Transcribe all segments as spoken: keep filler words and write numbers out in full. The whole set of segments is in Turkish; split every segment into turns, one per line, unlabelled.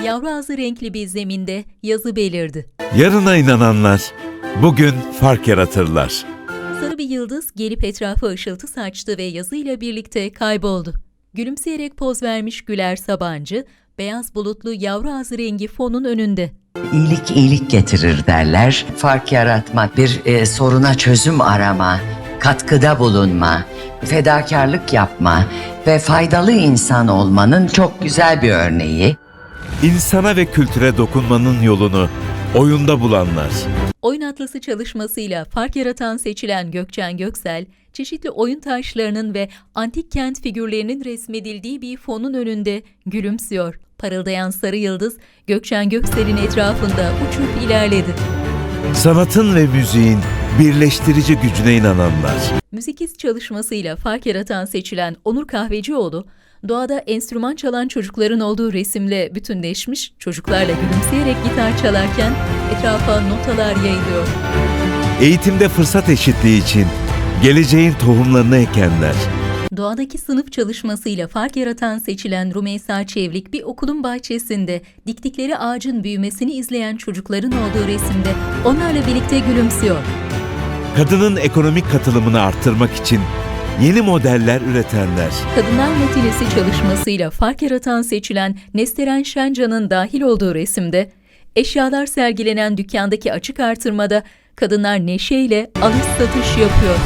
Yavru ağzı renkli bir zeminde yazı belirdi.
Yarına inananlar bugün fark yaratırlar.
Sarı bir yıldız gelip etrafa ışıltı saçtı ve yazıyla birlikte kayboldu. Gülümseyerek poz vermiş Güler Sabancı, beyaz bulutlu yavru ağzı rengi fonun önünde.
İyilik iyilik getirir derler. Fark yaratmak, bir e, soruna çözüm arama, katkıda bulunma, fedakarlık yapma ve faydalı insan olmanın çok güzel bir örneği.
İnsana ve kültüre dokunmanın yolunu oyunda bulanlar.
Oyun Atlası çalışmasıyla fark yaratan seçilen Gökçen Göksel, çeşitli oyun taşlarının ve antik kent figürlerinin resmedildiği bir fonun önünde gülümsüyor. Parıldayan sarı yıldız, Gökçen Göksel'in etrafında uçup ilerledi.
Sanatın ve müziğin birleştirici gücüne inananlar.
Müzikiz çalışmasıyla fark yaratan seçilen Onur Kahvecioğlu, doğada enstrüman çalan çocukların olduğu resimle bütünleşmiş, çocuklarla gülümseyerek gitar çalarken etrafa notalar yayılıyor.
Eğitimde fırsat eşitliği için geleceğin tohumlarını ekenler.
Doğadaki sınıf çalışmasıyla fark yaratan seçilen Rümeysa Çevlik bir okulun bahçesinde diktikleri ağacın büyümesini izleyen çocukların olduğu resimde onlarla birlikte gülümsüyor.
Kadının ekonomik katılımını arttırmak için yeni modeller üretenler.
Kadınlar Matinesi çalışmasıyla fark yaratan seçilen Nesteren Şencan'ın dahil olduğu resimde, eşyalar sergilenen dükkandaki açık artırmada kadınlar neşeyle alış satış yapıyor.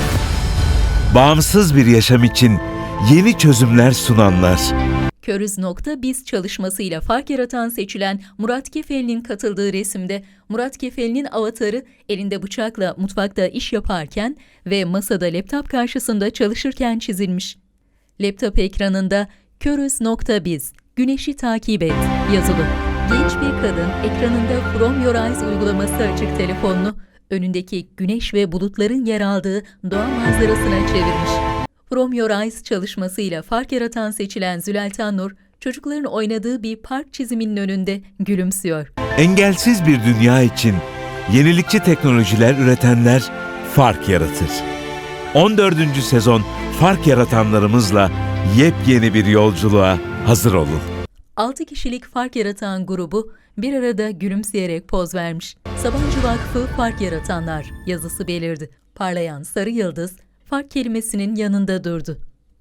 Bağımsız bir yaşam için yeni çözümler sunanlar.
Körüz.biz çalışmasıyla fark yaratan seçilen Murat Kefeli'nin katıldığı resimde Murat Kefeli'nin avatarı elinde bıçakla mutfakta iş yaparken ve masada laptop karşısında çalışırken çizilmiş. Laptop ekranında Körüz.biz, güneşi takip et yazılı. Genç bir kadın ekranında From Your Eyes uygulaması açık telefonunu önündeki güneş ve bulutların yer aldığı doğa manzarasına çevirmiş. From Your Eyes çalışmasıyla fark yaratan seçilen Züleyha Nur, çocukların oynadığı bir park çiziminin önünde gülümsüyor.
Engelsiz bir dünya için yenilikçi teknolojiler üretenler fark yaratır. on dördüncü sezon fark yaratanlarımızla yepyeni bir yolculuğa hazır olun.
altı kişilik fark yaratan grubu bir arada gülümseyerek poz vermiş. Sabancı Vakfı Fark Yaratanlar yazısı belirdi. Parlayan sarı yıldız fark kelimesinin yanında durdu.